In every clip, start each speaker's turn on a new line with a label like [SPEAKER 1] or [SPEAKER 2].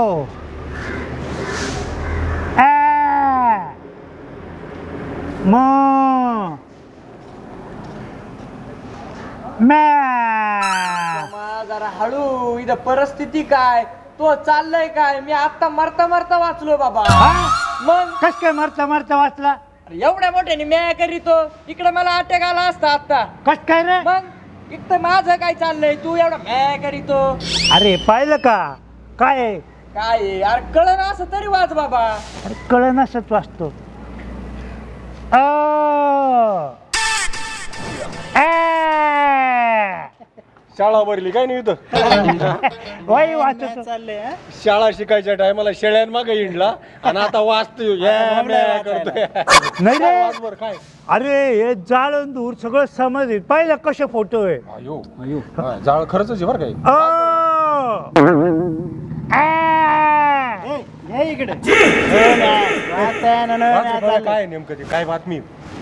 [SPEAKER 1] जरा हळू. इथं परिस्थिती काय, तो चाललंय काय, मी आता मरता मरता वाचलो बाबा. मग
[SPEAKER 2] कस काय मरता मरता वाचला?
[SPEAKER 1] एवढ्या मोठ्याने म्या करीतो, इकडे मला अटॅक आला असता आता.
[SPEAKER 2] कस काय रे?
[SPEAKER 1] मग इथं माझं काय चाललंय, तू एवढा म्या करीतो.
[SPEAKER 2] अरे पाहिलं का काय आहे?
[SPEAKER 1] काय आहे? अरे कळलं असं तरी वाच बाबा.
[SPEAKER 2] अरे कळ नसत वाचतो.
[SPEAKER 3] शाळा भरली काय नाही इथं.
[SPEAKER 2] वय वाचतो.
[SPEAKER 1] चाललंय
[SPEAKER 3] शाळा शिकायच्या टायमाला शेळ्यान मागे हिंडला आणि आता वाचतोय करतोय.
[SPEAKER 2] नाही रे,
[SPEAKER 3] वाचवर काय
[SPEAKER 2] अरे हे जाळून दूर सगळं समज येईल. पाहिलं कसे फोटो आहे.
[SPEAKER 3] अयो अयो जाळ खरंच आहे बरं काय.
[SPEAKER 1] इकडे
[SPEAKER 3] काय नेमकं ते काय बातमी.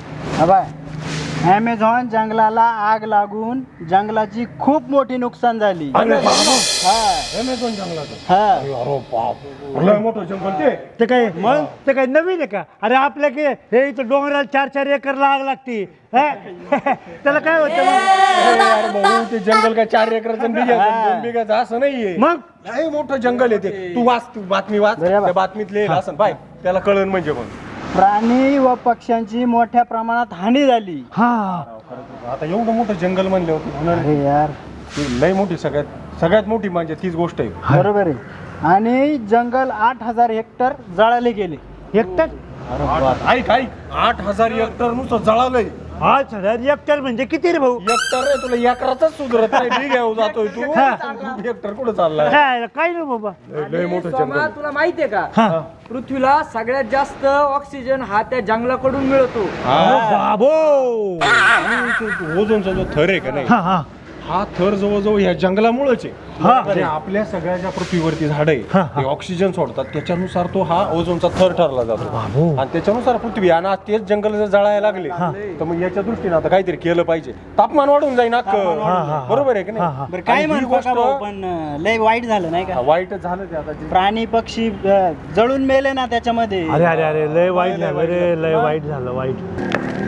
[SPEAKER 1] ॲमेझॉन जंगलाला आग लागून जंगलाची खूप मोठी नुकसान झाली.
[SPEAKER 3] अमेझॉन जंगलाचं अरे बाप लय मोठं जंगल
[SPEAKER 2] ते काय मग ते काय नवीन आहे का? अरे आपल्या हे इथं डोंगराला 4-4 एकर आग लागती. त्याला काय होतं
[SPEAKER 3] अरे भाऊ ते जंगल काय 4 एकराचं 2 बिघाचं असं नाहीये.
[SPEAKER 2] मग
[SPEAKER 3] लय मोठं जंगल आहे ते. तू वाच, तू बातमी वाच. त्या बातमीत लिहिलं असं पाय त्याला कळण म्हणजे पण.
[SPEAKER 1] प्राणी व पक्ष्यांची मोठ्या प्रमाणात हानी झाली.
[SPEAKER 2] हा
[SPEAKER 3] आता एवढं मोठं जंगल म्हणले होते
[SPEAKER 1] अरे यार,
[SPEAKER 3] लय मोठी सगळ्यात मोठी म्हणजे तीच गोष्ट आहे.
[SPEAKER 1] बरोबर आहे. आणि जंगल 8,000 हेक्टर जळाले गेले.
[SPEAKER 2] हेक्टर?
[SPEAKER 3] ऐक 8,000 हेक्टर नुसतं जळालंय.
[SPEAKER 2] 8,000 हेक्टर म्हणजे किती रे भाऊ?
[SPEAKER 3] हेक्टर रे, तुला एकराचाच सुधरत नाही. घेऊ जातोय तू हेक्टर कुठं चाललाय.
[SPEAKER 2] काय नाही बाबा.
[SPEAKER 3] लय मोठं जंगल.
[SPEAKER 1] तुला माहितीये का, पृथ्वीला सगळ्यात जास्त ऑक्सिजन हा त्या जंगलाकडून मिळतो.
[SPEAKER 2] बाबो
[SPEAKER 3] ओझोनचा जो थर आहे का नाही, हा थर जवळजवळ या जंगलामुळेच आहे. आणि आपल्या सगळ्या ज्या पृथ्वीवरती झाड आहे ऑक्सिजन सोडतात, त्याच्यानुसार तो हा ओझोनचा थर ठरला जातो. आणि त्याच्यानुसार पृथ्वी आणि आज तेच जंगल जर जळायला लागले तर मग याच्या दृष्टीने आता काहीतरी केलं पाहिजे. तापमान वाढून जाईल अख्खं. बरोबर आहे की नाही?
[SPEAKER 1] काय
[SPEAKER 3] आणि ही गोष्ट
[SPEAKER 1] पण लय वाईट झालं नाही का?
[SPEAKER 3] वाईटच झालं ते आता.
[SPEAKER 1] प्राणी पक्षी जळून मेले ना त्याच्यामध्ये.
[SPEAKER 2] अरे अरे अरे लय वाईट झालं रे, लय वाईट झालं. वाईट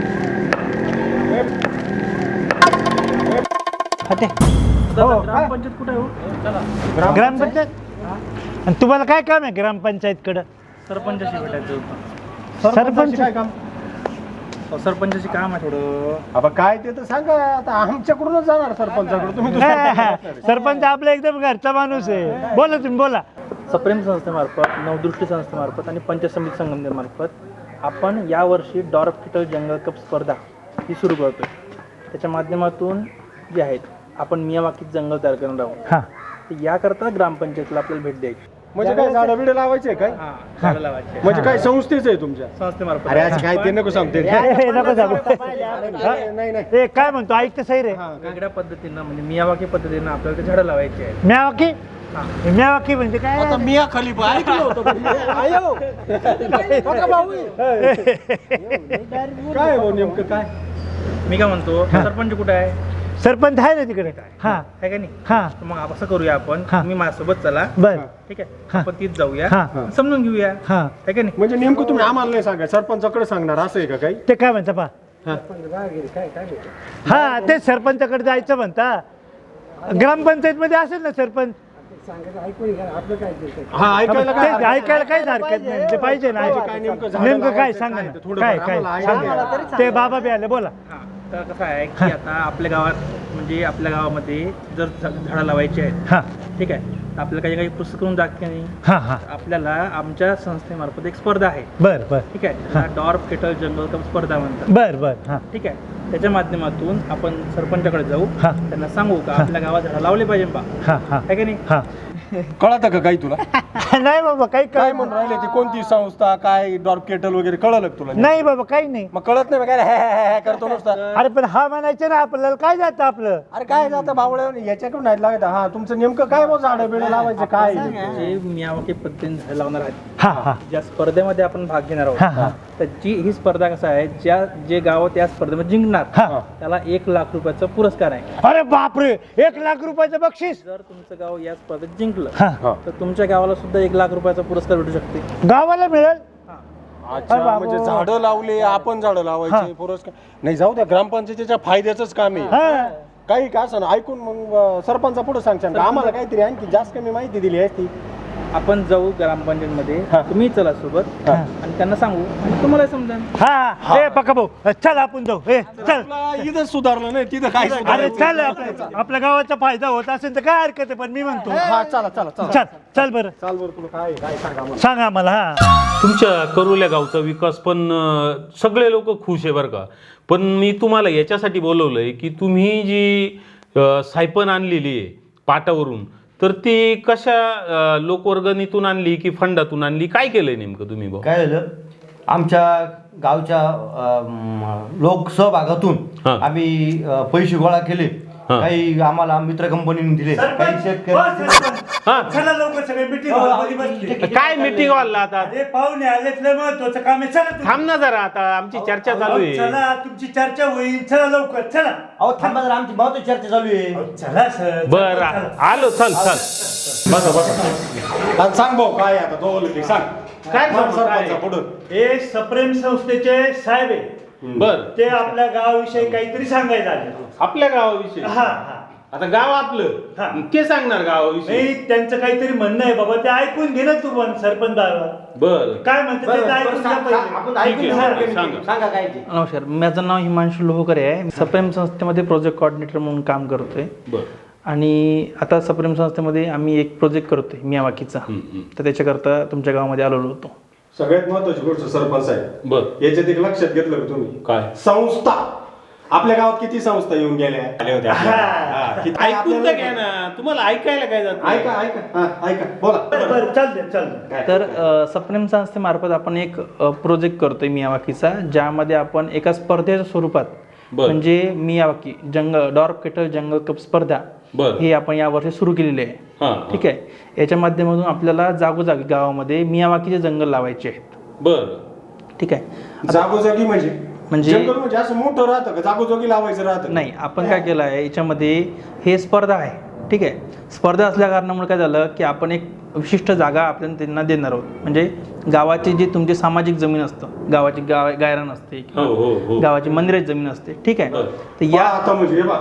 [SPEAKER 1] ग्रामपंचायत कुठे हो?
[SPEAKER 2] ग्रामपंचायत. आणि तुम्हाला काय काम आहे ग्रामपंचायत कडे?
[SPEAKER 1] सरपंचाशी भेटायचं होतं.
[SPEAKER 2] सरपंच
[SPEAKER 3] काय काम?
[SPEAKER 1] सरपंचाशी काम आहे थोडं.
[SPEAKER 3] आता काय ते तर सांगा. आता आमच्याकडूनच जाणार सरपंचाकडे. तुम्ही
[SPEAKER 2] सरपंच आपला एकदम घरचा माणूस आहे. बोला तुम्ही बोला.
[SPEAKER 4] सप्रेम संस्थेमार्फत, नवदृष्टी संस्थेमार्फत आणि पंचायत समिती संगमनेरमार्फत आपण यावर्षी डॉर्फ किटल जंगल कप स्पर्धा ही सुरू करतोय. त्याच्या माध्यमातून जे आहेत आपण मियावाकीत जंगल तयार करणार आहोत. तर याकरता ग्रामपंचायतीला आपल्याला भेट द्यायची.
[SPEAKER 3] म्हणजे काय झाडं बिडं लावायचे काय?
[SPEAKER 4] झाडं लावायची
[SPEAKER 3] म्हणजे काय संस्थेच आहे तुमच्या?
[SPEAKER 4] संस्थेमार्फत.
[SPEAKER 3] अरे आज काय ते नको सांगते.
[SPEAKER 2] नको सांगू.
[SPEAKER 3] नाही नाही
[SPEAKER 2] ए काय म्हणतो ऐकतं सही रे.
[SPEAKER 4] वेगळ्या पद्धतीनं म्हणजे मियावाकी पद्धतीनं आपल्याला ते झाडं लावायची आहेत.
[SPEAKER 2] म्यावाकी म्यावाकी म्हणजे काय?
[SPEAKER 3] आता मिया खलीफा ऐकलं होतं. काय भाऊ नेमकं काय?
[SPEAKER 4] मी काय म्हणतो, सरपंच कुठे आहे?
[SPEAKER 2] सरपंच आहे ना तिकडे. हा
[SPEAKER 4] आहे का नाही?
[SPEAKER 2] हा
[SPEAKER 4] तर मग असं करूया आपण, तुम्ही माझ्यासोबत चला.
[SPEAKER 2] बर.
[SPEAKER 4] ठीक आहे, आपण तीच जाऊया,
[SPEAKER 2] हा.
[SPEAKER 4] समजून घेऊया.
[SPEAKER 2] हा
[SPEAKER 4] आहे का नाही?
[SPEAKER 3] म्हणजे नेमकं तुम्ही आम्हाला नाही सांगा, सरपंचाकडे सांगणार असं आहे का काही?
[SPEAKER 2] ते काय म्हणता पा? हा ते सरपंचाकडे जायचं म्हणता. ग्रामपंचायत मध्ये असेल ना सरपंच.
[SPEAKER 3] हा ऐकायला
[SPEAKER 2] ते
[SPEAKER 3] काय?
[SPEAKER 2] ऐकायला काहीच हरकत नाही. ते पाहिजे ना.
[SPEAKER 3] काय नेमकं झाडं
[SPEAKER 2] नेमकं काय
[SPEAKER 3] लावायचं
[SPEAKER 2] सांगा
[SPEAKER 3] काय?
[SPEAKER 2] ना.
[SPEAKER 3] थोडं
[SPEAKER 2] काय
[SPEAKER 3] आम्हाला
[SPEAKER 2] काय
[SPEAKER 3] idea
[SPEAKER 2] सांगा
[SPEAKER 3] द्या.
[SPEAKER 2] ना. ते बाबा बी आले बोला.
[SPEAKER 4] तर कसं आहे की आता आपल्या गावात म्हणजे आपल्या गावामध्ये जर झाडं लावायची आहेत,
[SPEAKER 2] हा
[SPEAKER 4] ठीक आहे, तर आपल्याला काही काही पुस्तक करून दाखते नाही.
[SPEAKER 2] हा हा
[SPEAKER 4] आपल्याला आमच्या संस्थेमार्फत एक स्पर्धा आहे.
[SPEAKER 2] बर बर
[SPEAKER 4] ठीक आहे, त्याला डॉर्फ किटल जंगल कप स्पर्धा म्हणतात.
[SPEAKER 2] बर बर. हा
[SPEAKER 4] ठीक आहे, त्याच्या माध्यमातून आपण सरपंचाकडे जाऊ,
[SPEAKER 2] हा.
[SPEAKER 4] त्यांना सांगू का आपल्या गावात झाडं लावले पाहिजे बा.
[SPEAKER 2] हा हा
[SPEAKER 4] आहे का नाही?
[SPEAKER 2] हा
[SPEAKER 3] कळतं का काही तुला?
[SPEAKER 2] नाही बाबा काही
[SPEAKER 3] काय म्हणून राहिले ती कोणती संस्था काय डॉर्फ केटल वगैरे कळलं का तुला?
[SPEAKER 2] नाही बाबा काही नाही.
[SPEAKER 3] मग कळत नाही मग काय हे करतो नुसता.
[SPEAKER 2] अरे पण हा म्हणायचं ना आपल्याला काय जातं आपलं.
[SPEAKER 3] अरे काय जातं भावळ्या याच्याकडून नाही लागत. हा तुमचं नेमकं काय मग झाडं बिडं लावायचं काय?
[SPEAKER 4] जे मियावाकी पद्धतीने झाडं लावणार आहेत,
[SPEAKER 2] हा हा
[SPEAKER 4] ज्या स्पर्धेमध्ये आपण भाग घेणार
[SPEAKER 2] हा, हा.
[SPEAKER 4] आहोत, तर ही स्पर्धा कसं आहे, जे गाव त्या स्पर्धेमध्ये जिंकणार
[SPEAKER 2] हा.
[SPEAKER 4] त्याला 1,00,000 रुपयाचा पुरस्कार आहे.
[SPEAKER 2] अरे बापरे 1,00,000 रुपयाचं बक्षीस.
[SPEAKER 4] जर तुमचं गाव या स्पर्धेत जिंकलं निवडलं तर तुमच्या गावाला सुद्धा 1 लाख रुपयाचा पुरस्कार भेटू शकते.
[SPEAKER 2] गावाला मिळेल.
[SPEAKER 3] अच्छा, म्हणजे झाडं लावले, आपण झाडं लावायचे, पुरस्कार नाही, जाऊ द्या, ग्रामपंचायतीच्या फायद्याच काम आहे.
[SPEAKER 2] हा.
[SPEAKER 3] काही का असं ऐकून मग सरपंचा पुढे सांगशाल का आम्हाला काहीतरी आणखी जास्त कमी माहिती दिली असती.
[SPEAKER 4] आपण जाऊ ग्रामपंचायतमध्ये, तुम्ही चला सोबत आणि त्यांना सांगू आणि तुम्हाला समजा.
[SPEAKER 2] हा ए पक्का भाऊ चल आपण जाऊ. ए चल.
[SPEAKER 3] इथं सुधारलं नाही, तिथं काय
[SPEAKER 2] अरे चल, आपल्या गावाचा फायदा होत असेल तर काय हरकत आहे, पण मी म्हणतो
[SPEAKER 3] चला चला चला
[SPEAKER 2] चल चल बरं
[SPEAKER 3] चाल बरं, तुला काय काय सांगा आम्हाला.
[SPEAKER 2] सांग आम्हाला. हा
[SPEAKER 5] तुमच्या करोल्या गावचा विकास पण सगळे लोक खुश आहे बरं का. पण मी तुम्हाला याच्यासाठी बोलवलंय की तुम्ही जी सायपन आणलेली आहे पाटावरून, तर ती कशा लोकवर्गणीतून आणली की फंडातून आणली, काय केलंय नेमकं तुम्ही भाऊ?
[SPEAKER 6] काय झालं, आमच्या गावच्या लोकसहभागातून आम्ही पैसे गोळा केले. काही आम्हाला मित्र कंपनीने दिले, काही
[SPEAKER 2] चला लवकर सगळे मीटिंग.
[SPEAKER 5] काय मीटिंग वाढला आता?
[SPEAKER 2] अरे पाहुणे आलेत, लय महत्वाचं काम आहे. चला तुम्ही.
[SPEAKER 5] थांब ना जरा, आता आमची चर्चा चालू आहे.
[SPEAKER 2] चला तुमची चर्चा होईल. चला लवकर चला.
[SPEAKER 6] अहो थांबा जरा, आमची महत्वाची चर्चा चालू आहे.
[SPEAKER 2] चला सर.
[SPEAKER 5] बर आलो, चल चल.
[SPEAKER 3] बसा बसा. आणि सांग भाऊ काय आता तो सांग
[SPEAKER 5] काय
[SPEAKER 3] सरपंचा पुढं.
[SPEAKER 2] हे सप्रेम संस्थेचे साहेब आहे.
[SPEAKER 5] बर,
[SPEAKER 2] ते आपल्या गावाविषयी काहीतरी सांगायचं आले.
[SPEAKER 5] आपल्या गावाविषयी.
[SPEAKER 2] हा हा.
[SPEAKER 5] आता गाव आपलं, ते सांगणार गावाविषयी.
[SPEAKER 2] नाही, त्यांचं काहीतरी म्हणणं आहे बाबा, ते ऐकून घे ना तू पण सरपंच दादा.
[SPEAKER 5] बर,
[SPEAKER 2] काय म्हणते ते ऐकून घ्या पहिले.
[SPEAKER 6] आपण ऐकून
[SPEAKER 5] ठीक आहे,
[SPEAKER 6] घेऊ.
[SPEAKER 5] सांगा.
[SPEAKER 6] सांगा काय ते.
[SPEAKER 4] नमस्कार, माझं नाव हिमांशु लोहकरे आहे. सप्रेम संस्थेमध्ये प्रोजेक्ट कोऑर्डिनेटर म्हणून काम करतोय.
[SPEAKER 5] बर.
[SPEAKER 4] आणि आता सप्रेम संस्थेमध्ये आम्ही एक प्रोजेक्ट करतोय मियावाकीचा. तर त्याच्याकरता तुमच्या गावामध्ये आलेलो होतो.
[SPEAKER 3] सगळ्यात महत्वाची गोष्ट सरपंच आहे,
[SPEAKER 5] बर,
[SPEAKER 3] याच्यात एक लक्षात घेतलं का तुम्ही?
[SPEAKER 5] काय?
[SPEAKER 3] संस्था. आपल्या गावात किती संस्था येऊन गेल्या आल्या होत्या आपल्या? हा, किती
[SPEAKER 5] ऐकून तर घ्या ना, तुम्हाला ऐकायला काय जात?
[SPEAKER 3] ऐका ऐका हा ऐका बोला.
[SPEAKER 2] बरं चालते चालते.
[SPEAKER 4] तर सप्रेम संस्थेमार्फत आपण एक प्रोजेक्ट करतोय मियावाकीचा, ज्यामध्ये आपण एका स्पर्धेच्या स्वरूपात, म्हणजे मियावाकी डॉर्फ केटल जंगल कप स्पर्धा हे आपण यावर्षी सुरू केलेली आहे. ठीक आहे. याच्या माध्यमातून आपल्याला जागोजागी गावामध्ये मियावाकीचे जंगल लावायचे आहेत.
[SPEAKER 5] बर,
[SPEAKER 4] ठीक आहे.
[SPEAKER 3] जागोजागी म्हणजे जंगल म्हणजे असं मोठं राहतं का जागोजागी लावायचं राहतं?
[SPEAKER 4] नाही, आपण काय केलं आहे याच्यामध्ये, हे स्पर्धा आहे. ठीक आहे. स्पर्धा असल्या कारणामुळे काय झालं की आपण एक विशिष्ट जागा आपल्याला त्यांना देणार आहोत. म्हणजे गावाची जी तुमची सामाजिक जमीन असतं, गावाची गायरान असते, गावाची मंदिराची जमीन असते. ठीक आहे. तर या
[SPEAKER 3] आता म्हणजे बा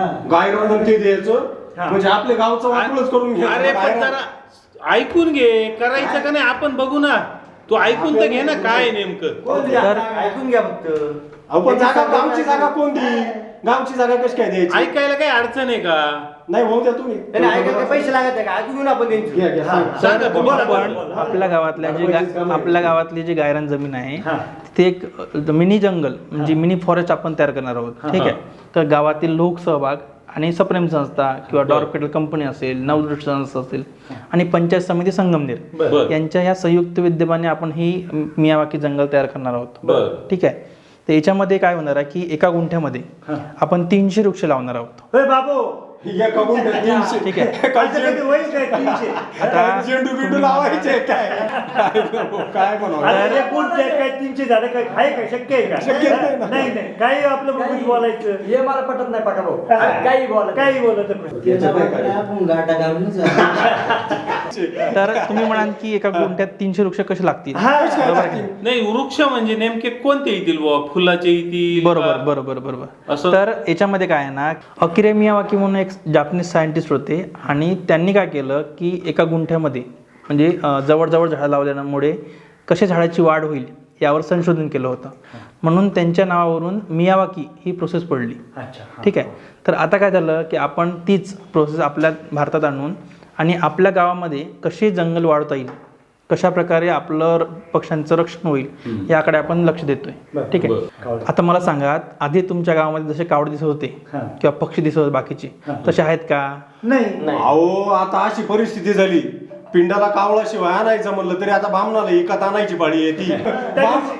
[SPEAKER 3] गायरान ते द्यायचं म्हणजे आपल्या गावचं वाटूनच करून
[SPEAKER 5] अरे पण
[SPEAKER 3] घ्यायचं.
[SPEAKER 5] जरा ऐकून घे, करायचं का नाही आपण बघू ना. तू ऐकून तर घे ना काय नेमकं.
[SPEAKER 6] तर ऐकून घ्या फक्त.
[SPEAKER 3] आपण जागा गावची जागा कोणती? गावची जागा कशी काय द्यायची?
[SPEAKER 5] ऐकायला काही अडचण आहे का?
[SPEAKER 3] नाही होऊ द्या तुम्ही.
[SPEAKER 6] त्याने ऐकायला पैसे लागत आहे का? ऐकून घेऊन आपण त्यांची.
[SPEAKER 3] घ्या, घ्या, सांगा.
[SPEAKER 5] सांगा तुम्ही.
[SPEAKER 4] आपण आपल्या गावातली जी गायरान जमीन आहे तिथे एक मिनी जंगल म्हणजे मिनी फॉरेस्ट आपण तयार करणार आहोत. ठीक आहे. तर गावातील लोकसहभाग आणि सप्रेम संस्था किंवा डॉर्फ केटल कंपनी असेल, नवदृष्टी संस्था असेल आणि पंचायत समिती संगमनेर यांच्या ह्या संयुक्त विद्यमाने आपण ही मियावाकी जंगल तयार करणार आहोत. ठीक आहे. तर याच्यामध्ये काय होणार आहे की एका गुंठ्यामध्ये आपण 300 वृक्ष लावणार आहोत.
[SPEAKER 2] बाबू
[SPEAKER 3] एका गुंठ्यात 300.
[SPEAKER 4] ठीक आहे.
[SPEAKER 2] होईल काय 300?
[SPEAKER 3] आता झेंडू बिंडू लावायचे काय? काय बनवलं?
[SPEAKER 2] अरे कोणते काय 300 झालं काय? आहे काय? शक्य आहे का?
[SPEAKER 3] शक्य नाही ना.
[SPEAKER 2] नाही नाही, काही आपलं बघून बोलायचं.
[SPEAKER 1] हे मला पटत नाही पाठा भाऊ. काही बोला
[SPEAKER 2] काही बोलत
[SPEAKER 4] तर तुम्ही म्हणाल की एका गुंठ्यात 300 वृक्ष कसे लागतील?
[SPEAKER 5] नाही, वृक्ष म्हणजे नेमके कोणते येतील बुवा? फुलाचे येतील?
[SPEAKER 4] बरोबर बरोबर बरोबर.
[SPEAKER 5] असं?
[SPEAKER 4] तर याच्यामध्ये काय आहे ना, अकिरा मियावाकी म्हणून एक जापनीज सायंटिस्ट होते आणि त्यांनी काय केलं की एका गुंठ्यामध्ये म्हणजे जवळजवळ झाडं लावल्यामुळे कशा झाडाची वाढ होईल यावर संशोधन केलं होतं. म्हणून त्यांच्या नावावरून मियावाकी ही प्रोसेस पडली. ठीक आहे. तर आता काय झालं की आपण तीच प्रोसेस आपल्या भारतात आणून आणि आपल्या गावामध्ये कशी जंगल वाढवता येईल, कशा प्रकारे आपलं पक्ष्यांचं रक्षण होईल याकडे आपण लक्ष देतोय. ठीक आहे. आता मला सांगा, आधी तुमच्या गावामध्ये जसे कावडे दिसत होते किंवा पक्षी दिसत होते बाकीचे, तसे आहेत का?
[SPEAKER 2] नाही.
[SPEAKER 3] अहो आता अशी परिस्थिती झाली, पिंडाला कावळा शिवाय आणायचं म्हणलं तरी आता बामणाला एकात आणायची पाळी येते.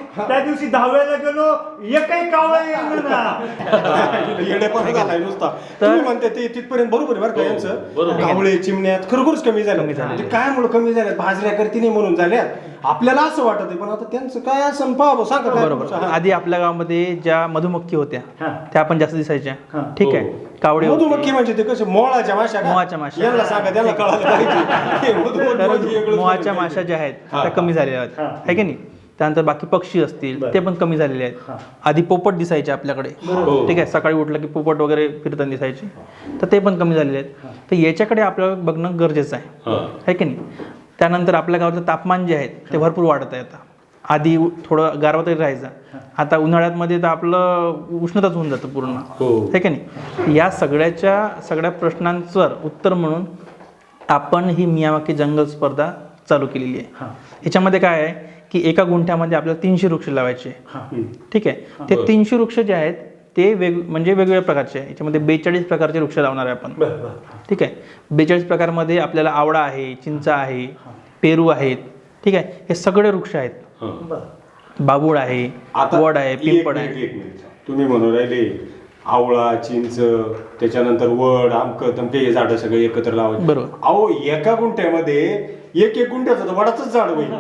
[SPEAKER 2] त्या दिवशी 10व्याला गेलो एकही कावळा येईल ना.
[SPEAKER 3] येडेपणा झालाय नुसता. तुम्ही म्हणते ते तिथपर्यंत बरोबर आहे बरं का यांचं. कावळे चिमण्यात खरोखरच कमी झाले. ते काय मुळे कमी झाल्यात? भाजऱ्या करती नाही म्हणून झाल्यात. आपल्याला असं वाटत आहे, पण आता त्यांचं काय असं पाहा सांगा काय
[SPEAKER 4] बरोबर.
[SPEAKER 3] तुमचं?
[SPEAKER 4] आधी आपल्या गावामध्ये ज्या मधुमक्खी होत्या त्या पण जास्त दिसायच्या. ठीक आहे, कावडे होते.
[SPEAKER 3] मधुमक्खी म्हणजे ते कसे मोळाच्या माशा का?
[SPEAKER 4] मोहाच्या माशा.
[SPEAKER 3] यांना सांगा, त्यांना कळालं पाहिजे. हे मधुमक्खी म्हणजे वेगळंच
[SPEAKER 4] मोहाच्या
[SPEAKER 3] पाहिजे.
[SPEAKER 4] माशा ज्या आहेत त्या कमी झालेल्या आहेत, आहे की नाही. त्यानंतर बाकी पक्षी असतील ते पण कमी झालेले आहेत. आधी पोपट दिसायचे आपल्याकडे. ठीक आहे, सकाळी उठलं की पोपट वगैरे फिरताना दिसायचे, तर ते पण कमी झालेले आहेत. तर याच्याकडे आपल्याला बघणं गरजेचं आहे की नाही. त्यानंतर आपल्या गावाचं तापमान जे आहे ते भरपूर वाढत आहे. आता आधी थोडं गारवा तरी राहायचं, आता उन्हाळ्यामध्ये तर आपलं उष्णताच होऊन जातं पूर्ण, आहे की नाही. या सगळ्या प्रश्नांचं उत्तर म्हणून आपण ही मियावाकी जंगल स्पर्धा चालू केलेली आहे. ह्याच्यामध्ये काय आहे की एका गुंठ्यामध्ये आपल्याला 300 वृक्ष लावायचे. ठीक आहे, ते 300 वृक्ष जे आहेत ते म्हणजे वेगवेगळ्या प्रकारचे आहे. याच्यामध्ये 42 प्रकारचे वृक्ष लावणार आहे आपण. ठीक आहे, 42 प्रकारमध्ये आपल्याला आवळा आहे, चिंच आहे, पेरू आहेत. ठीक आहे, हे सगळे वृक्ष आहेत. बाबूळ आहे, वड आहे, पिंपळ आहे.
[SPEAKER 3] एक मिनिट. तुम्ही म्हणून राहिले आवळा, चिंच, त्याच्यानंतर वड, आमक तमके हे झाडं सगळे एकत्र लावायचे.
[SPEAKER 4] बरोबर.
[SPEAKER 3] अहो एका गुंठ्यामध्ये एक गुंठ्याचं तर वडाचंच झाड होईल.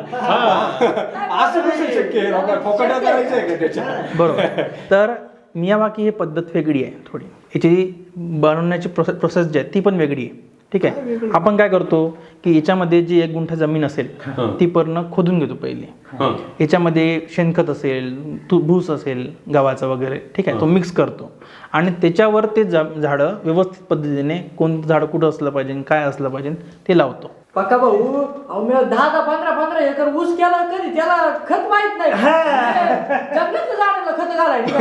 [SPEAKER 3] असं कसं शक्य आहे? फोकाट्या करायचं आहे का त्याच्या?
[SPEAKER 4] बरोबर. तर मियावाकी ही पद्धत वेगळी आहे थोडी. याची बनवण्याची प्रोसेस जी आहे ती पण वेगळी आहे. ठीक आहे, आपण काय करतो की याच्यामध्ये जी 1 गुंठा जमीन असेल ती पूर्ण खोदून घेतो पहिले. याच्यामध्ये शेणखत असेल, भूस असेल गव्हाचं वगैरे, ठीक आहे, तो मिक्स करतो आणि त्याच्यावर ते झाडं व्यवस्थित पद्धतीने कोणतं झाड कुठं असलं पाहिजे, काय असलं पाहिजे ते लावतो.
[SPEAKER 1] पक्का भाऊ, अहो मी 10-15 एकर ऊस केला कधी त्याला खत माहित नाही. जंगलातल्या झाडाला खत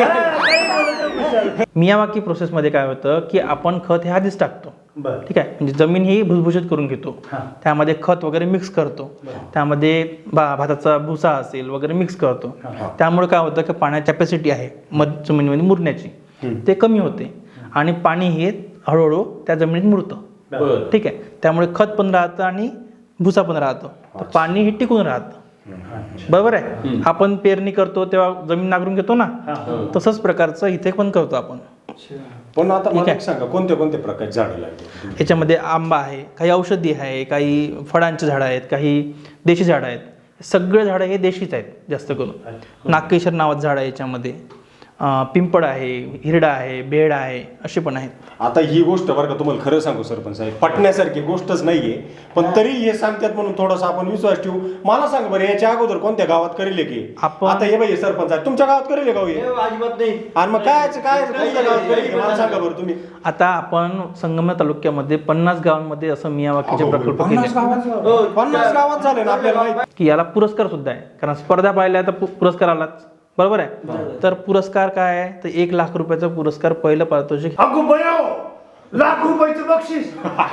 [SPEAKER 1] घालायचं.
[SPEAKER 4] मियावाकी प्रोसेसमध्ये काय होतं की आपण खत हे आधीच टाकतो. ठीक आहे, म्हणजे जमीन ही भुसभुशीत करून घेतो, त्यामध्ये खत वगैरे मिक्स करतो, त्यामध्ये भाताचा भुसा असेल वगैरे मिक्स करतो. त्यामुळे काय होतं की पाण्याची कॅपॅसिटी आहे जमिनीमध्ये मुरण्याची ते कमी होते आणि पाणी हे हळूहळू त्या जमिनीत मुरतं. ठीक आहे, त्यामुळे खत पण राहतं आणि भुसा पण राहतो, तर पाणी हे टिकून राहतं. बरोबर आहे. आपण पेरणी करतो तेव्हा जमीन नांगरून घेतो ना, तसंच प्रकारचं इथे पण करतो आपण.
[SPEAKER 3] पण आता मला एक सांगा, कोणत्या प्रकारचे झाडं लागले?
[SPEAKER 4] याच्यामध्ये आंबा आहे, काही औषधी आहे, काही फळांची झाडं आहेत, काही देशी झाडं आहेत. सगळे झाडं हे देशीच आहेत जास्त करून. नागकेशर नावाचं झाड आहे याच्यामध्ये, पिंपळ आहे, हिरडा आहे, बेड आहे, असे पण आहेत.
[SPEAKER 3] आता ही गोष्ट बरं का तुम्हाला खरं सांगू सरपंच साहेब, पटण्यासारखी गोष्टच नाहीये, पण तरी हे सांगतात म्हणून थोडासा आपण विश्वास ठेवू. मला सांग बरं, याच्या अगोदर कोणत्या गावात करेल की आता हे बाई सरपंच आहे तुमच्या गावात करेल गाव हे?
[SPEAKER 6] अजिबात नाही.
[SPEAKER 3] आणि मग काय कोणत्या गावात करेल मला सांगा बरं तुम्ही.
[SPEAKER 4] आता आपण संगमनेर तालुक्यामध्ये 50 गावांमध्ये असं मियावाकीचे प्रकल्प केले
[SPEAKER 3] 50 गावात झाले ना आपल्याला माहिती.
[SPEAKER 4] की याला पुरस्कार सुद्धा आहे, कारण स्पर्धा पाहिल्या तर पुरस्कार आलाच. बरोबर आहे. तर पुरस्कार काय आहे, तर 1 लाख रुपयाचा पुरस्कार पहिलं पारितोषिक.
[SPEAKER 2] अगो बयो, लाख रुपयाचं बक्षीस.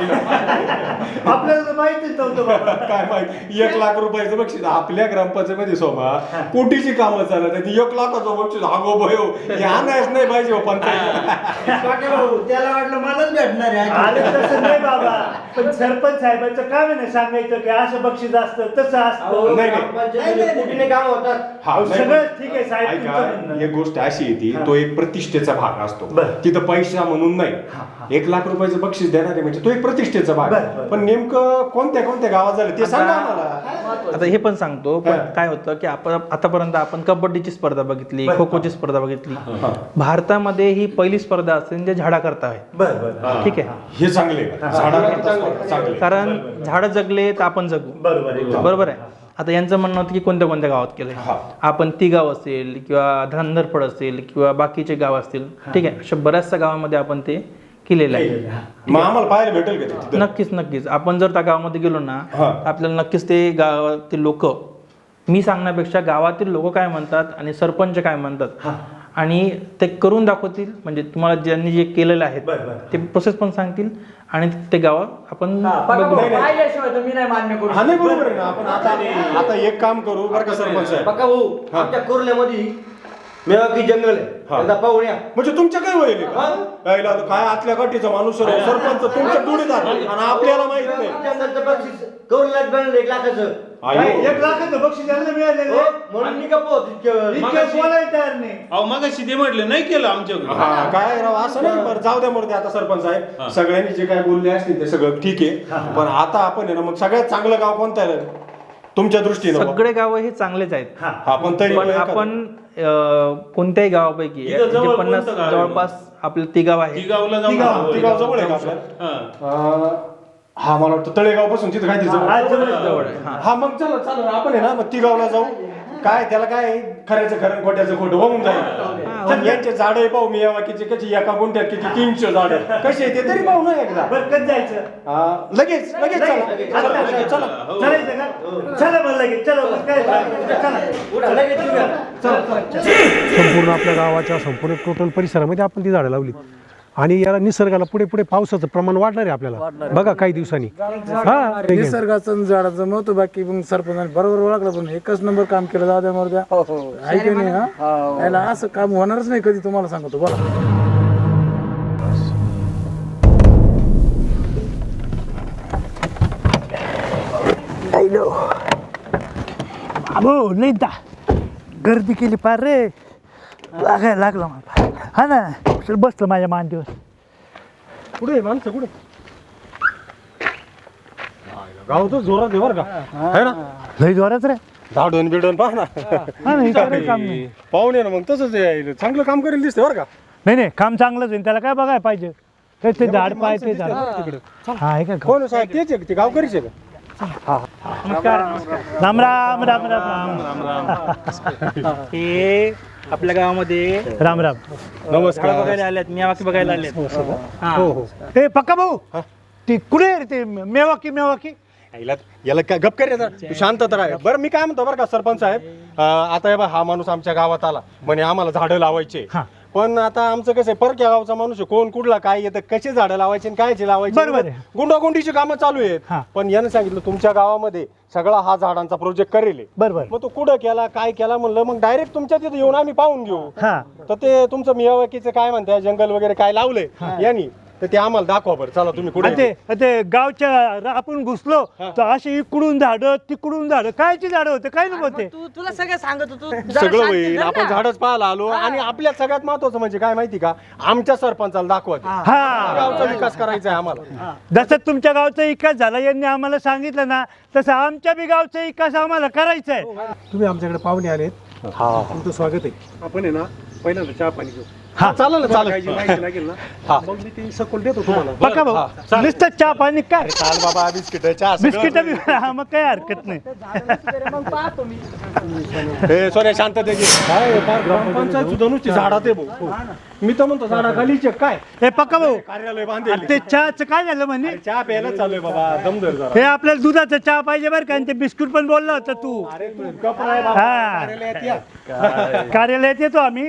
[SPEAKER 2] आपल्याला तर माहितीच नव्हतं बाबा.
[SPEAKER 3] काय माहिती 1 लाख रुपयाचं बक्षीस आपल्या ग्रामपंचायतीमध्ये सोमा कोटीची कामं चालत आहेत. 1 लाखाचं बक्षीस हागो भयो हे आणायच नाही पाहिजे हो पंचायत.
[SPEAKER 6] त्याला वाटलं मलाच भेटणार आहे.
[SPEAKER 2] अरे तसं नाही बाबा, पण सरपंच साहेबांचं काम आहे ना सांगायचं की असं बक्षीस असतं तसं असतं.
[SPEAKER 6] कुठे काम होतात.
[SPEAKER 3] हा,
[SPEAKER 2] सगळं ठीक आहे साहेब, तुमचं
[SPEAKER 3] ऐका,
[SPEAKER 2] म्हणणं.
[SPEAKER 3] एक गोष्ट अशी येते, तो एक प्रतिष्ठेचा भाग असतो. तिथं पैसा म्हणून नाही, 1 लाख रुपयाचं बक्षीस देणारे म्हणजे तो एक प्रतिष्ठेचा भाग. पण नेमकं कोणत्या गावात झालं ते सांगा आम्हाला.
[SPEAKER 4] आता हे पण सांगतो. पण काय होतं की आपण आतापर्यंत आपण कबड्डीची स्पर्धा बघितली, खो खोची स्पर्धा बघितली. भारतामध्ये ही पहिली स्पर्धा असेल जे झाडा करता आहे. ठीक आहे,
[SPEAKER 3] हे चांगले चांगले,
[SPEAKER 4] कारण झाडं जगले तर आपण जगू. बरोबर आहे. आता यांचं म्हणणं होतं की कोणत्या गावात केलंय. आपण ती गाव असेल किंवा धनंदरफळ असेल किंवा बाकीचे गाव असतील, ठीक आहे, अशा बऱ्याचशा गावामध्ये आपण ते केलेलं आहे.
[SPEAKER 3] मग आम्हाला पाहायला भेटेल का ते?
[SPEAKER 4] नक्कीच. आपण जर त्या गावामध्ये गेलो ना, आपल्याला नक्कीच ते गावातील लोक, मी सांगण्यापेक्षा गावातील लोक काय म्हणतात आणि सरपंच काय म्हणतात आणि ते करून दाखवतील. म्हणजे तुम्हाला ज्यांनी जे केलेलं आहे ते प्रोसेस पण सांगतील आणि ते गाव आपण
[SPEAKER 1] पाहिल्याशिवाय तर मी नाही मान्य करू.
[SPEAKER 3] हा नाही बरोबर आहे ना. आपण आता एक काम करू बरं का सरपंच साहेब.
[SPEAKER 6] बघा भाऊ, आमच्या कुर्ल्यामध्ये मेवाकी जंगल आहे
[SPEAKER 3] हा.
[SPEAKER 6] त्याचा पाहुण्या
[SPEAKER 3] म्हणजे तुमच्या काय वय यायला काय आतल्या गाठीचा माणूस सरपंच तुमच्या जोडीदार आणि आपल्याला माहित नाही
[SPEAKER 6] जंगलचं बक्षीस कौलात बनलं 1 लाखाचं
[SPEAKER 3] आयो.
[SPEAKER 2] 1 लाखाचं बक्षीस यांना मिळालेलं
[SPEAKER 6] हो,
[SPEAKER 2] आहे.
[SPEAKER 6] म्हणून मी गप्प इतकं
[SPEAKER 2] इतकं बोलायला तयार नाही.
[SPEAKER 5] अहो मगाशी ते म्हटलं नाही केलं आमच्याकडे.
[SPEAKER 3] हा काय राव असं नाही बरं जाऊ द्या मरते आता सरपंच साहेब सगळ्यांनी जे काय बोलले असतील ते सगळं ठीक आहे पण आता आपण आहे ना मग सगळ्यात चांगलं गाव कोणतं आहे तुमच्या दृष्टीनं
[SPEAKER 4] सगळे गाव हे चांगलेच आहेत.
[SPEAKER 3] हा पण तरी
[SPEAKER 4] पण
[SPEAKER 3] एखादं-
[SPEAKER 4] आपण कोणत्याही गावापैकी
[SPEAKER 5] इथं जवळ
[SPEAKER 4] म्हणजे 50
[SPEAKER 5] कोणतं गाव आहे?
[SPEAKER 4] जवळपास आपलं ती गाव आहे.
[SPEAKER 5] ती गावला जाऊ
[SPEAKER 3] ती गाव जवळ आहे का आपल्याला हा मला वाटतं तळेगाव पासून तिथं काय
[SPEAKER 4] जवळ आहे. हा.
[SPEAKER 3] हा मग चला चालेल आपण आहे ना मग ती गावला जाऊ काय त्याला काय खऱ्याचं खरं खोट्याचं खोटं होऊन जाईल यांचे झाड पाहू मी या वाकीचे कशी एका गुंठ्यात किती 300 झाड कसे ते तरी पाहू ना एकदा
[SPEAKER 2] बरं कधी जायचं?
[SPEAKER 3] लगेच चला चला
[SPEAKER 2] चालायचं का? चला बरं लगेच चला बरं, काय चला.
[SPEAKER 7] संपूर्ण आपल्या गावाच्या संपूर्ण टोटल परिसरामध्ये आपण ती झाडं लावली आणि याला निसर्गाला पुढे पुढे पावसाचं प्रमाण वाढणार आहे आपल्याला बघा काही दिवसांनी हा ठीक आहे.
[SPEAKER 8] निसर्गाचं झाडाचं महत्व बाकी मग सरपंचाने बरोबर ओळखलं पण एकच नंबर काम केलं जाऊ द्या मर्द्या ऐक नाही हा याला असं काम होणारच नाही कधी तुम्हाला सांगतो बोला
[SPEAKER 2] अबो नाही दा गर्दी केली पार रे लागायला लागला मला हा ना चल बसलं माझ्या मांडीवर
[SPEAKER 7] पुढे माणसं कुठे गाव तर जोरात आहे बरं का है ना
[SPEAKER 2] लई जोरात रे
[SPEAKER 3] झाडून बिडून पाहा ना
[SPEAKER 2] हा नाही काही काम नाही
[SPEAKER 3] पाहुणे ना मग तसंच आहे. चांगलं काम करेल दिसते बरं का
[SPEAKER 2] नाही नाही काम चांगलंच आहे त्याला काय बघायला पाहिजे ते झाड पाय ते झाड हा आहे का
[SPEAKER 3] कोण साहेब तेच आहे ते गावकरीच आहे का
[SPEAKER 2] राम राम राम राम राम
[SPEAKER 4] हे आपल्या गावामध्ये
[SPEAKER 2] राम राम
[SPEAKER 4] झाडं बघायला आलेत मियावाकी बघायला आलेत. हा.
[SPEAKER 2] ए पक्का भाऊ ती कुठे आहे रे ते मेवाकी
[SPEAKER 3] याला काय गप कर रे जरा. तू शांत तर आहे बरं मी काय म्हणतो बरं का सरपंच साहेब आता हे बघ, हा माणूस आमच्या गावात आला म्हणे आम्हाला झाडं लावायचे
[SPEAKER 2] हा.
[SPEAKER 3] पण आता आमचं कसं आहे परक्या गावचा माणूस आहे कोण कुठला काय येतं कसे झाडं लावायचे आणि कायचे लावायचे
[SPEAKER 2] बरोबर आहे.
[SPEAKER 3] गुंडागुंडीची कामं चालू आहेत
[SPEAKER 2] हा.
[SPEAKER 3] पण यानं सांगितलं तुमच्या गावामध्ये सगळा हा झाडांचा प्रोजेक्ट करेल आहे.
[SPEAKER 2] बरोबर
[SPEAKER 3] मग तो कुठं केला काय केला म्हणलं मग डायरेक्ट तुमच्या तिथे येऊन आम्ही पाहून घेऊ
[SPEAKER 2] हा
[SPEAKER 3] तर ते तुमचं मियावाकीचं काय म्हणताय जंगल वगैरे काय लावलंय यांनी तर ते आम्हाला दाखवा बरं चला तुम्ही
[SPEAKER 2] आणि
[SPEAKER 3] कुठे
[SPEAKER 2] ते गावच्या आपण घुसलो तर अशी इकडून झाडं तिकडून झाडं कायची झाडं होते काय नव्हते
[SPEAKER 1] तुला सगळं सांगत होतो जरा
[SPEAKER 3] सगळं
[SPEAKER 1] शांत
[SPEAKER 3] होईल
[SPEAKER 1] झाल
[SPEAKER 3] आपण
[SPEAKER 1] ना.
[SPEAKER 3] झाडच पाहायला आलो आणि आपल्या सगळ्यात महत्वाचं म्हणजे काय माहिती का आमच्या सरपंचाला दाखवायचं
[SPEAKER 2] हा
[SPEAKER 3] गावचा विकास करायचा आहे आम्हाला
[SPEAKER 2] जसं तुमच्या गावचा विकास झाला यांनी आम्हाला सांगितलं ना तसं आमच्या बी गावचा विकास आम्हाला करायचा आहे
[SPEAKER 7] तुम्ही आमच्याकडे पाहुणे आलेत तुमचं स्वागत आहे आपण आहे ना पहिल्यांदा चहा पाणी घेऊ
[SPEAKER 2] हा
[SPEAKER 3] चालेल ना
[SPEAKER 7] तुम्हाला काय जी
[SPEAKER 3] चालेल
[SPEAKER 7] माहिती लागेल ना मग मी ती सखोल देतो तुम्हाला
[SPEAKER 2] पक्का भाऊ नुसतं चहा पाणी काय
[SPEAKER 3] चाल बाबा बिस्किट चहा
[SPEAKER 2] बिस्किट हा मग काही हरकत नाही
[SPEAKER 1] मग पाहतो मी
[SPEAKER 3] हे सोन्या शांत दे काय ग्रामपंचायत सुद्धा नुसती झाडात आहे भाऊ मी तर म्हणतो झाडाखालीच आहे काय
[SPEAKER 2] हे पक्का भाऊ
[SPEAKER 3] कार्यालय बांधेल
[SPEAKER 2] आणि ते चहाचं काय झालं म्हणे
[SPEAKER 3] चहा प्यायला चालू आहे बाबा दमदर जरा
[SPEAKER 2] हे आपल्याला दुधाचा चहा पाहिजे बरं का आणि ते बिस्कुट पण बोलला होता तू
[SPEAKER 3] अरे तू गप्प राह बाबा.
[SPEAKER 2] हा
[SPEAKER 3] कार्यालयात या.
[SPEAKER 2] कार्यालयात येतो आम्ही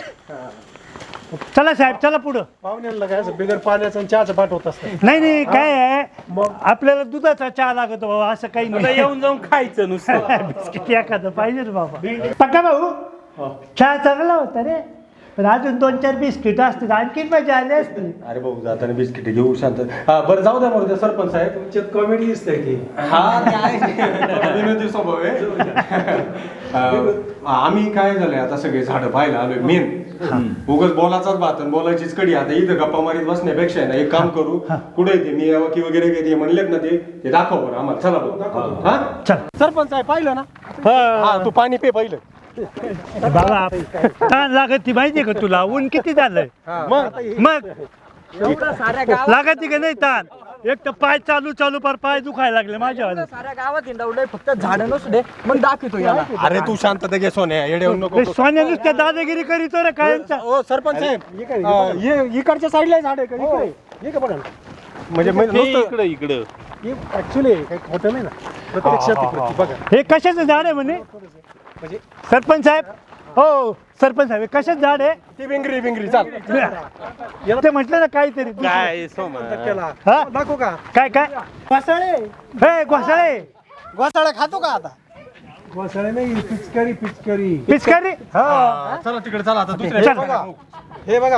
[SPEAKER 2] चला साहेब चला पुढं
[SPEAKER 7] पाहुण्यांना काय असं बिगर पाण्याचं आणि चहाचं पाठवत असतं
[SPEAKER 2] नाही नाही काय आहे आपल्याला दुधाचा चहा लागतो बाबा असं काही
[SPEAKER 5] आता
[SPEAKER 2] नाही
[SPEAKER 5] येऊन जाऊन खायचं नुसतं.
[SPEAKER 2] बिस्किट एखादं पाहिजे ना बाबा पक्का भाऊ चहा चांगला होता रे पण अजून 2-4 बिस्किट असतील आणखीन मजा आली असती
[SPEAKER 3] अरे भाऊ जाताना बिस्किट घेऊ शांत हा बरं जाऊ द्या बरं सरपंच साहेब
[SPEAKER 7] तुमच्यात कॉमेडी दिसतंय की
[SPEAKER 3] हा ते आहे विनोदी स्वभाव आहे आम्ही काय झालंय आता सगळे झाडं पाहायला आलोय मेन उगाच बोलाचाच बात आणि बोलायचीच कडी आता इथं गप्पा मारीत बसण्यापेक्षा आहे ना एक काम करू कुठे ते मी यावकी वगैरे काही म्हणलेत ना ते दाखव बरं आम्हाला चला बरं हा
[SPEAKER 2] चल
[SPEAKER 3] सरपंच साहेब पाहिलं ना हा तू पाणी पे पहिलं
[SPEAKER 2] बाबा ताण लागत ती माहितीये का तुला ऊन किती झालंय मग
[SPEAKER 1] एवढं साऱ्या गावात
[SPEAKER 2] लागत का नाही ताण एक तर पाय चालू पार पाय दुखायला लागले माझ्या
[SPEAKER 1] एवढं साऱ्या गावात हिंडवलंय फक्त झाडं नसू दे मग दाखवतो याला
[SPEAKER 3] अरे तू शांतता घे सोन्या येडे होऊ नको
[SPEAKER 2] सोन्या नुसत्या दादागिरी करीतो रे कायमचा
[SPEAKER 3] ओ सरपंच साहेब ये इकडच्या साईडला झाड आहे का इकडे
[SPEAKER 7] हे का बघा ना
[SPEAKER 3] म्हणजे
[SPEAKER 5] ते
[SPEAKER 3] नुसतं
[SPEAKER 5] इकडं
[SPEAKER 7] हे ऍक्च्युली काही खोटं नाही ना प्रत्यक्षात आहे प्रत्येक. बघा
[SPEAKER 2] हे कशाचं झाड आहे म्हणे सरपंच साहेब हो सरपंच साहेब हे कशाचं झाड आहे
[SPEAKER 3] ती बिंगरी चाल
[SPEAKER 2] ते म्हटलं ना काहीतरी
[SPEAKER 5] काय सोमा
[SPEAKER 7] त्याला
[SPEAKER 2] हा?
[SPEAKER 7] दाखव का
[SPEAKER 2] काय घोसाळे हे घोसाळे
[SPEAKER 8] घोसाळा खातो का आता
[SPEAKER 7] वसाळे नाही पिचकारी पिचकारी
[SPEAKER 2] पिचकारी हा
[SPEAKER 3] चला तिकडे चला आता दुसऱ्या
[SPEAKER 7] बघा हे बघा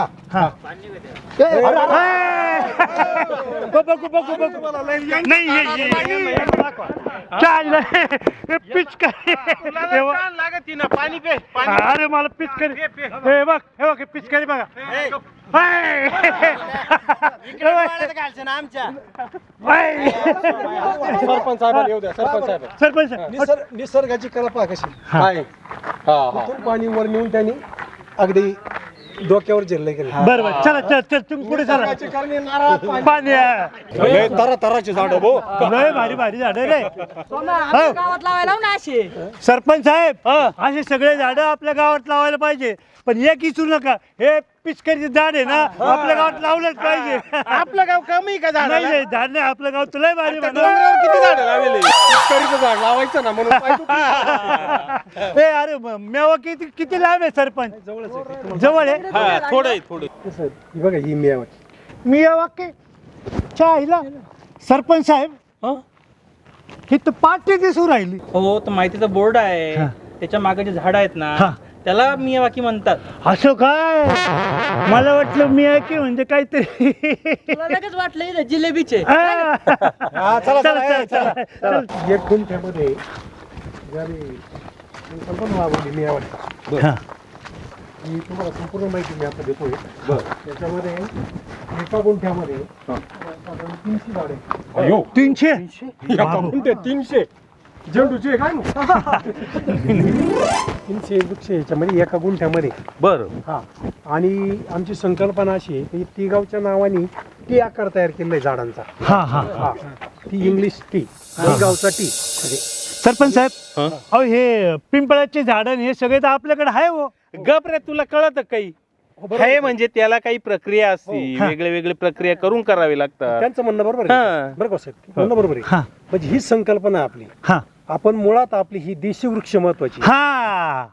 [SPEAKER 2] नाही पिचकारी
[SPEAKER 5] पाणी पे
[SPEAKER 2] अरे मला पिचकारी हे बघ पिचकारी बघा
[SPEAKER 3] सरपंच साहेबांना येऊ द्या सरपंच साहेब
[SPEAKER 2] सरपंच
[SPEAKER 7] निसर्गाची कला पहा कशी
[SPEAKER 3] काय
[SPEAKER 7] इथून पाणी वर नेऊन त्यांनी अगदी डोक्यावर झेललं गेलं
[SPEAKER 2] बरोबर चला चल चल तुम्ही पुढे चला पाणी आहे.
[SPEAKER 3] तराचे झाड भो
[SPEAKER 2] लय भारी भारी झाड रे
[SPEAKER 1] गावात लावायला ना असे
[SPEAKER 2] सरपंच साहेब असे सगळे झाड आपल्या गावात लावायला पाहिजे पण एक विसरू नका हे पिचकारीचे झाड आहे ना आपल्या गावात लावलंच पाहिजे.
[SPEAKER 5] आपलं गाव कमी का झाड
[SPEAKER 2] नाही झाड नाही आपलं गाव तुला भारी
[SPEAKER 3] किती झाड लावले पिचकारीचं झाड लावायचं ना म्हणून पाय दुखली.
[SPEAKER 2] ए अरे मेवा किती किती लांब आहे सरपंच जवळ आहे
[SPEAKER 5] थोडं
[SPEAKER 7] ही बघा ही मियावाची
[SPEAKER 2] मी या वाक्य चायला सरपंच साहेब ही तर पाठी दिसू राहिली
[SPEAKER 4] हो तर माहितीचा बोर्ड आहे त्याच्या मागे जे झाड आहेत ना त्याला मियावाकी म्हणतात.
[SPEAKER 2] असं काय मला वाटलं मी आहे की म्हणजे काहीतरी
[SPEAKER 1] तुला लगेच वाटलं इथं जिलेबीचे
[SPEAKER 2] चला चला चला
[SPEAKER 7] एक गुंठ्यामध्ये संपूर्ण वावरली मियावाची ही तुम्हाला संपूर्ण माहिती मी आता देतोय त्याच्यामध्ये एका गुंठ्यामध्ये साधारण 300 झाडे
[SPEAKER 3] अयो
[SPEAKER 2] 300
[SPEAKER 3] एका गुंठ्यात 300 झेंडूचे काय
[SPEAKER 7] 300 वृक्ष याच्यामध्ये एका गुंठ्यामध्ये
[SPEAKER 5] बरं
[SPEAKER 7] हा आणि आमची संकल्पना अशी आहे की टी गावच्या नावाने टी आकार तयार केलेला आहे झाडांचा
[SPEAKER 2] हा हा
[SPEAKER 7] हा टी इंग्लिश टी गावचा टी
[SPEAKER 2] सरपंच साहेब अहो हे पिंपळाचे झाड हे सगळे तर आपल्याकडे आहे हो
[SPEAKER 5] गप रे तुला कळत काही हे म्हणजे त्याला काही प्रक्रिया असते वेगळे वेगळे प्रक्रिया करून करावी लागतात.
[SPEAKER 7] त्यांचं म्हणणं बरोबर आहे बरं का साहेब म्हणणं बरोबर आहे म्हणजे ही संकल्पना आपली
[SPEAKER 2] हा
[SPEAKER 7] आपण मुळात आपली ही देशी वृक्ष महत्वाची
[SPEAKER 2] हा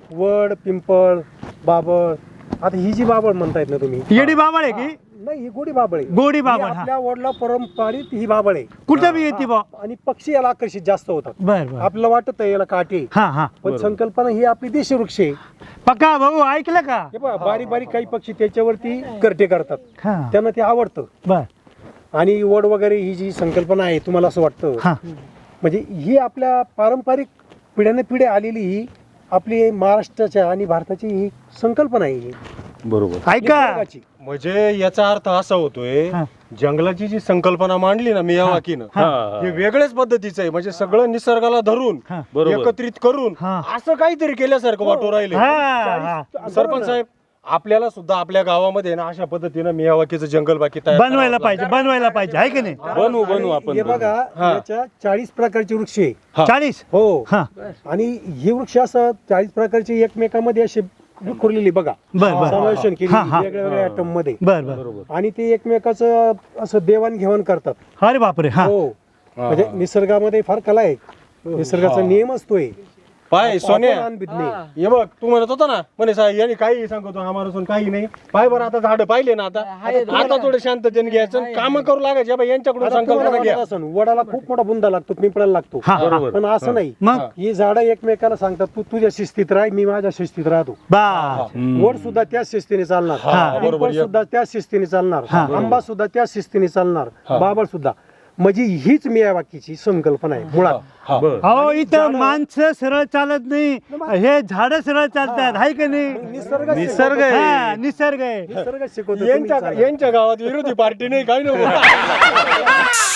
[SPEAKER 7] वड पिंपळ बाबळ आता ही जी बाबळ म्हणतायत ना तुम्ही
[SPEAKER 2] येडी बाबळ आहे की
[SPEAKER 7] नाही ही गोडी बाबळ आहे
[SPEAKER 2] गोडी बाबळ,
[SPEAKER 7] ही
[SPEAKER 2] हा.
[SPEAKER 7] आपल्या वडला परंपरित ही बाबळ आहे
[SPEAKER 2] कुठं बी येते बा
[SPEAKER 7] आणि पक्षी याला आकर्षित जास्त होतात
[SPEAKER 2] बर बर
[SPEAKER 7] आपल्याला वाटत याला काटे
[SPEAKER 2] हा हा
[SPEAKER 7] पण संकल्पना ही आपली देशी वृक्ष आहे
[SPEAKER 2] पक्का भाऊ ऐकलं का
[SPEAKER 7] हे पहा बारीक बारीक काही पक्षी त्याच्यावरती करटे करतात
[SPEAKER 2] हा
[SPEAKER 7] त्यांना ते आवडतं
[SPEAKER 2] बर
[SPEAKER 7] आणि वड वगैरे ही जी संकल्पना आहे तुम्हाला असं वाटतं
[SPEAKER 2] हा
[SPEAKER 7] म्हणजे ही आपल्या पारंपरिक पिढ्याने पिढ्या आलेली ही आपली महाराष्ट्राच्या आणि भारताची ही संकल्पना आहे ही.
[SPEAKER 5] बरोबर
[SPEAKER 2] ऐका
[SPEAKER 7] निसर्गाची.
[SPEAKER 3] म्हणजे याचा अर्थ असा होतोय जंगलाची जी संकल्पना मांडली ना मियावाकीनं हे वेगळ्याच पद्धतीचं आहे म्हणजे सगळं निसर्गाला धरून
[SPEAKER 5] बरोबर.
[SPEAKER 3] एकत्रित करून असं काहीतरी केल्यासारखं वाटू राहिले
[SPEAKER 2] हा
[SPEAKER 3] सरपंच साहेब आपल्याला सुद्धा आपल्या गावामध्ये ना अशा पद्धतीनं मियावाकीचं जंगल बाकी तयार
[SPEAKER 2] बनवायला पाहिजे आहे की नाही
[SPEAKER 5] बनवू आपण
[SPEAKER 7] हे बघा याच्या 40 प्रकारचे वृक्ष आहे
[SPEAKER 2] 40
[SPEAKER 7] हो
[SPEAKER 2] हा
[SPEAKER 7] आणि हे वृक्ष असं 40 प्रकारचे एकमेकांमध्ये असे विखुरलेली बघा
[SPEAKER 2] बर बर
[SPEAKER 7] समावेशन केली
[SPEAKER 2] हा, हा.
[SPEAKER 7] वेगळ्या वेगळ्या आयटम मध्ये
[SPEAKER 2] बर बर
[SPEAKER 7] आणि ते एकमेकाचं असं देवाणघेवाण करतात
[SPEAKER 2] अरे बापरे हा
[SPEAKER 7] हो म्हणजे निसर्गामध्ये फार कला आहे निसर्गाचा नियम असतोय
[SPEAKER 3] पाय सोन्या
[SPEAKER 7] अपमान बिदणे.
[SPEAKER 3] हे बघ तू म्हणत होता ना म्हणे साहेब यांनी काही सांगतो आम्हाला काही नाही पाय बरं आता झाड पाहिले ना आता थोडे शांततेने घ्यायचं काम करू लागायचे बाबा यांच्याकडून
[SPEAKER 7] आता तुम्हाला
[SPEAKER 3] संकल्पना घ्या
[SPEAKER 7] वाटत असेल, वडाला खूप मोठा बुंदा लागतो पिंपळाला लागतो
[SPEAKER 2] बरोबर.
[SPEAKER 7] पण असं नाही
[SPEAKER 2] मग?
[SPEAKER 7] ही झाडं एकमेकाला सांगतात तू तुझ्या शिस्तीत राह मी माझ्या शिस्तीत राहतो
[SPEAKER 2] बा
[SPEAKER 7] वड सुद्धा त्याच शिस्तीने चालणार पिंपळ सुद्धा त्याच शिस्तीने चालणार आंबा सुद्धा त्याच शिस्तीने चालणार बाबळ सुद्धा म्हणजे हीच मियावाकीची संकल्पना आहे मुळात
[SPEAKER 2] अहो इथं माणसं सरळ चालत नाही हे झाड सरळ चालतात आहे की नाही
[SPEAKER 7] निसर्ग
[SPEAKER 2] हा, निसर्ग आहे
[SPEAKER 7] निसर्ग शिकवतो तुम्ही चाला.
[SPEAKER 3] यांच्या गावात विरोधी पार्टी नाही काही नाही